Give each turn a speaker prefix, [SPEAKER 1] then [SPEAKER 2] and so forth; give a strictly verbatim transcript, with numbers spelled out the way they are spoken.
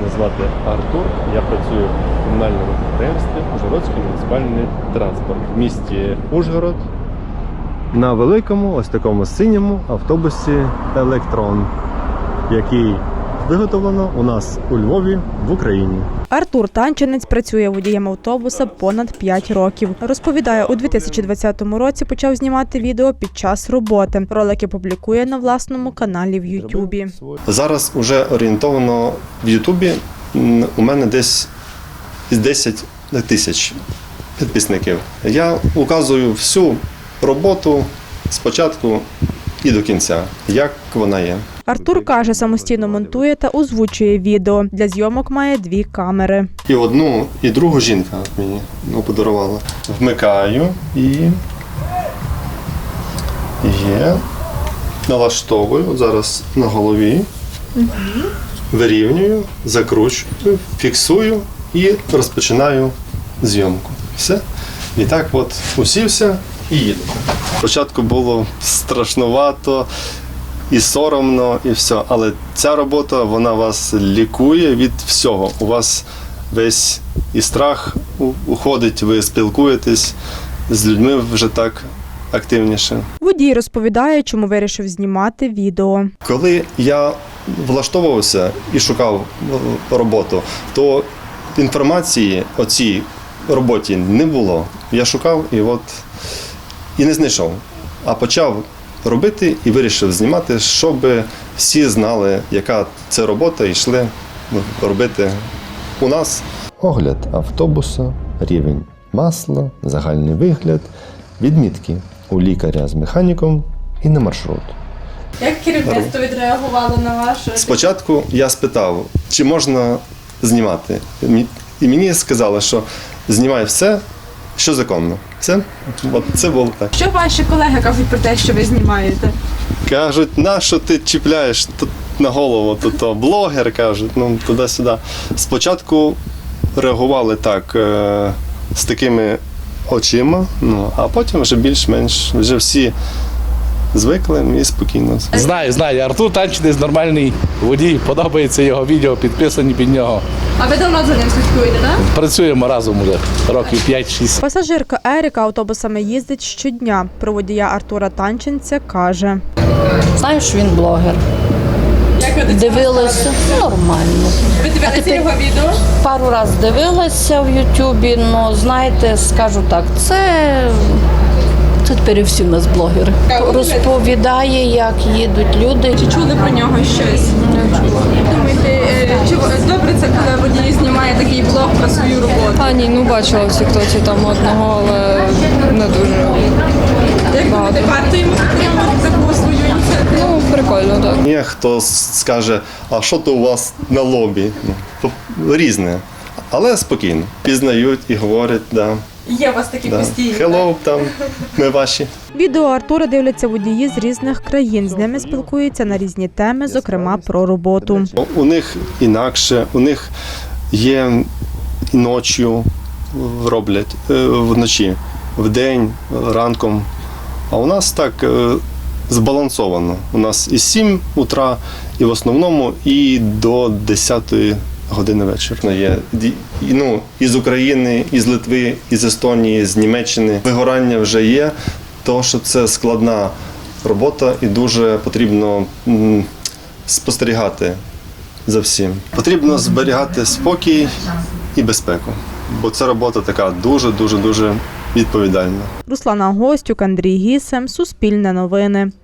[SPEAKER 1] Мене звати Артур, я працюю в комунальному підприємстві Ужгородський муніципальний транспорт в місті Ужгород на великому, ось такому синьому автобусі «Електрон», який виготовлено у нас у Львові в Україні.
[SPEAKER 2] Артур Танчинець працює водієм автобуса понад п'ять років. Розповідає, у дві тисячі двадцятому році почав знімати відео під час роботи. Ролики публікує на власному каналі в Ютубі.
[SPEAKER 1] Зараз вже орієнтовано в Ютубі у мене десь десять тисяч підписників. Я указую всю роботу спочатку і до кінця, як вона є.
[SPEAKER 2] Артур каже, самостійно монтує та озвучує відео. Для зйомок має дві камери.
[SPEAKER 1] І одну, і другу жінка мені ну, подарувала. Вмикаю і є. Налаштовую, от зараз на голові, угу. Вирівнюю, закручую, фіксую і розпочинаю зйомку. Все. І так от усівся і їду. Спочатку було страшнувато, і соромно, і все. Але ця робота, вона вас лікує від всього. У вас весь і страх уходить, ви спілкуєтесь з людьми вже так активніше.
[SPEAKER 2] Водій розповідає, чому вирішив знімати відео.
[SPEAKER 1] Коли я влаштовувався і шукав роботу, то інформації о цій роботі не було. Я шукав і от і не знайшов. А почав робити і вирішив знімати, щоб всі знали, яка це робота, і йшли робити у нас. Огляд автобуса, рівень масла, загальний вигляд, відмітки у лікаря з механіком і на маршрут.
[SPEAKER 2] Як керівництво відреагувало на ваше?
[SPEAKER 1] Спочатку я спитав, чи можна знімати. І мені сказали, що знімай все, що законно. Все, от це було так.
[SPEAKER 2] Що ваші колеги кажуть про те, що ви знімаєте?
[SPEAKER 1] Кажуть, на що ти чіпляєш тут на голову, то, то блогер, кажуть, ну туди-сюди. Спочатку реагували так, е, з такими очима, ну, а потім вже більш-менш, вже всі звикли і спокійно.
[SPEAKER 3] Знаю, знаю. Артур Танчинець нормальний водій, подобається його відео, підписані під нього.
[SPEAKER 2] А ви давно за ним слідкуєте, так?
[SPEAKER 3] Працюємо разом уже років п'ять-шість.
[SPEAKER 2] Пасажирка Еріка автобусами їздить щодня. Про водія Артура Танчинця каже.
[SPEAKER 4] Знаю, що він блогер.
[SPEAKER 2] Як ви
[SPEAKER 4] Дивилася нормально.
[SPEAKER 2] Ви дивилися його відео?
[SPEAKER 4] Пару разів дивилася в Ютубі, але, знаєте, скажу так, це, це тепер і всі в нас блогери. Розповідає, як їдуть люди.
[SPEAKER 2] Чи чули про нього щось? Думаєте, чи добре це, коли водій знімає такий блог про свою роботу?
[SPEAKER 5] А ні, ну бачила в тіктоці там одного, але не дуже.
[SPEAKER 2] Як думаєте, варто йому підтримувати таку свою ініціативу?
[SPEAKER 5] Ну, прикольно, так.
[SPEAKER 1] Є хто скаже, а що то у вас на лобі? Ну, різне, але спокійно. Пізнають і говорять, да.
[SPEAKER 2] Є у вас такі
[SPEAKER 1] Да.
[SPEAKER 2] постійні.
[SPEAKER 1] Hello, там, ми ваші.
[SPEAKER 2] Відео Артура дивляться водії з різних країн. З ними спілкуються на різні теми, зокрема про роботу.
[SPEAKER 1] У них інакше, у них є і ночі роблять, вночі, вдень, ранком. А у нас так збалансовано. У нас і сім утра, і в основному, і до десятої години вечора. Є ну, із України, із Литви, із Естонії, з Німеччини. Вигорання вже є, тому що це складна робота і дуже потрібно м, спостерігати за всім. Потрібно зберігати спокій і безпеку, бо ця робота така дуже-дуже-дуже відповідальна.
[SPEAKER 2] Руслана Гостюк, Андрій Гісем, Суспільне новини.